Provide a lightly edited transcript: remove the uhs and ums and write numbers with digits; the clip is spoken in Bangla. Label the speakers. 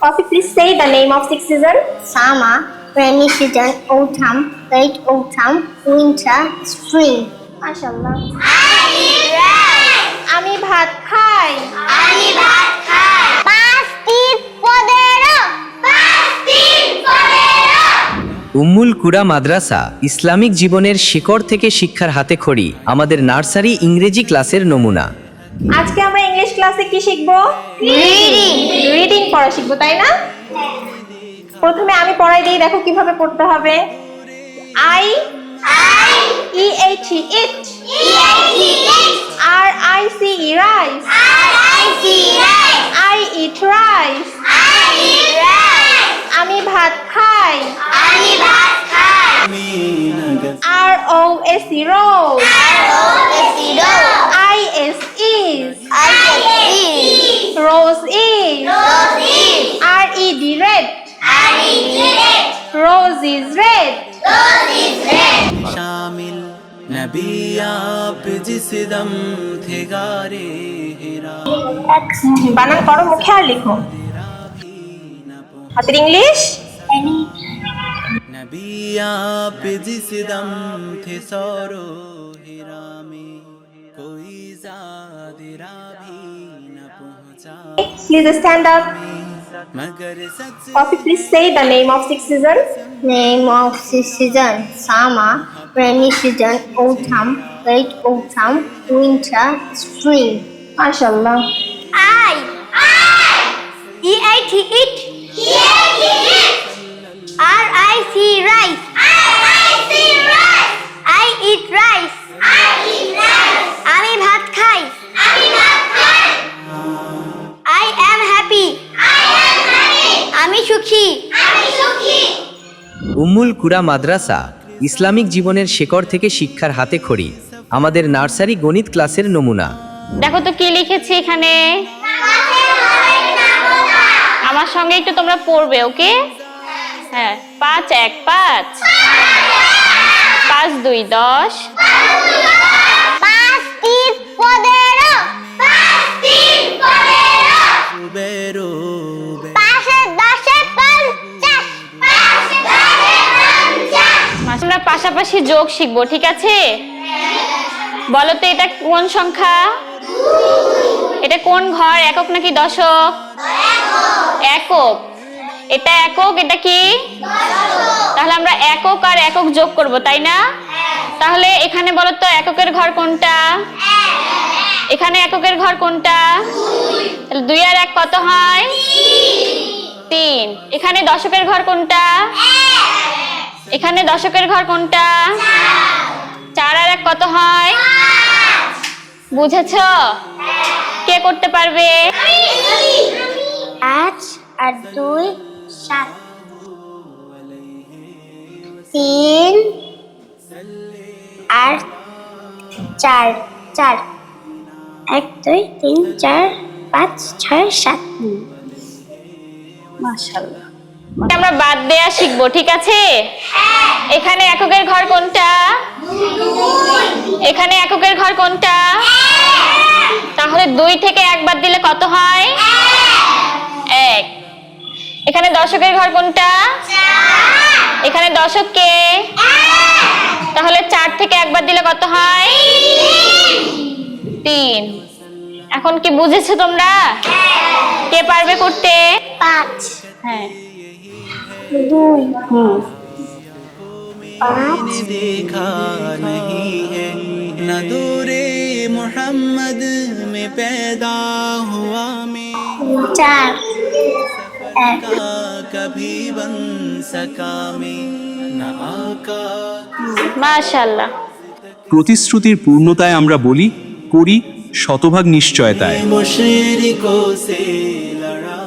Speaker 1: Coffee, please say the name of six seasons.
Speaker 2: Summer, rainy season, autumn, late autumn, winter, spring.
Speaker 1: MashaAllah. আমি ভাত খাই।
Speaker 3: উম্মুল কুরা মাদ্রাসা ইসলামিক জীবনের শিকড় থেকে শিক্ষার হাতে খড়ি, আমাদের নার্সারি ইংরেজি ক্লাসের নমুনা।
Speaker 1: আজকে আমরা ইংলিশ ক্লাসে কি শিখবো? রিডিং পড়া শিখবো, তাই না? প্রথমে আমি পড়াই দিই, দেখো কিভাবে পড়তে হবে। I eat it. RICE rice. I eat rice. আমি ভাত খাই। ROSE rose. IS is. Rose is. RED red. Rose is red.
Speaker 4: शामिल नबी आप जिस दम थे गारे हिरा
Speaker 1: বানান করো, মুখে আর লিখো। হাতের ইংলিশ।
Speaker 4: नबी आप जिस दम थे सौरो हिरा में कोई ज़ादिरा भी न पहुंचा
Speaker 1: Please stand up.
Speaker 4: मगर सच
Speaker 1: Coffee, please say the name of six seasons.
Speaker 2: Name of six seasons: summer, rainy season, autumn, late autumn, winter, spring.
Speaker 1: MashaAllah.
Speaker 2: EIT it. RIC rice. I eat rice. আমি ভাত খাই। I am happy. আমি সুখী।
Speaker 3: উম্মুল কুরা মাদ্রাসা ইসলামিক জীবনের শিকড় থেকে শিক্ষার হাতে খড়ি, আমাদের নার্সারি গণিত ক্লাসের নমুনা।
Speaker 5: দেখো তো কি লিখেছি এখানে। আমার সঙ্গে একটু তোমরা পড়বে, ওকে? হ্যাঁ, 5 1 5 5 2 10
Speaker 2: 5 3 15
Speaker 4: बेरो
Speaker 2: 5 10 50
Speaker 5: আমরা পাশাপাশি যোগ শিখবো, ঠিক আছে? বলো তো এটা কোন সংখ্যা? এটা কোন ঘর, একক নাকি দশক? একক। এটা একক, এটা কি? তাহলে আমরা একক আর একক যোগ করব, তাই না? তাহলে এখানে বলো তো এককের ঘর কোনটা? এখানে এককের ঘর কোনটা? তাহলে 2 আর 1 কত হয়? 3। এখানে দশকের ঘর কোনটা? এখানে দশকের ঘর কোনটা? 4 আর 1 কত হয়? বুঝেছো? কে করতে পারবে?
Speaker 2: 5 আর 2 7 3 আর 4 4 1 2 3 4 5 6 7
Speaker 5: মাশাআল্লাহ। আমরা বাদ দেয়া শিখবো, ঠিক আছে? এখানে এককের ঘর কোনটা? এখানে এককের ঘর কোনটা? তাহলে 2 থেকে 1 বাদ দিলে কত হয়? 1। এখানে দশকের ঘর কোনটা? এখানে দশক কে? তাহলে 4 থেকে 1 বাদ দিলে কত হয়? 3। এখন কি বুঝেছো তোমরা? কে পারবে করতে?
Speaker 2: 5
Speaker 5: হ্যাঁ।
Speaker 2: 2
Speaker 4: मैंने देखा नहीं है न दूरे मोहम्मद में पैदा हुआ मैं
Speaker 2: 4
Speaker 4: का कभी बन सका मैं न आका
Speaker 5: মাশাআল্লাহ।
Speaker 6: প্রতিশ্রুতির পূর্ণতায় আমরা বলি, করি শতভাগ নিশ্চয়তায়।
Speaker 4: मुशरिकों से लड़ा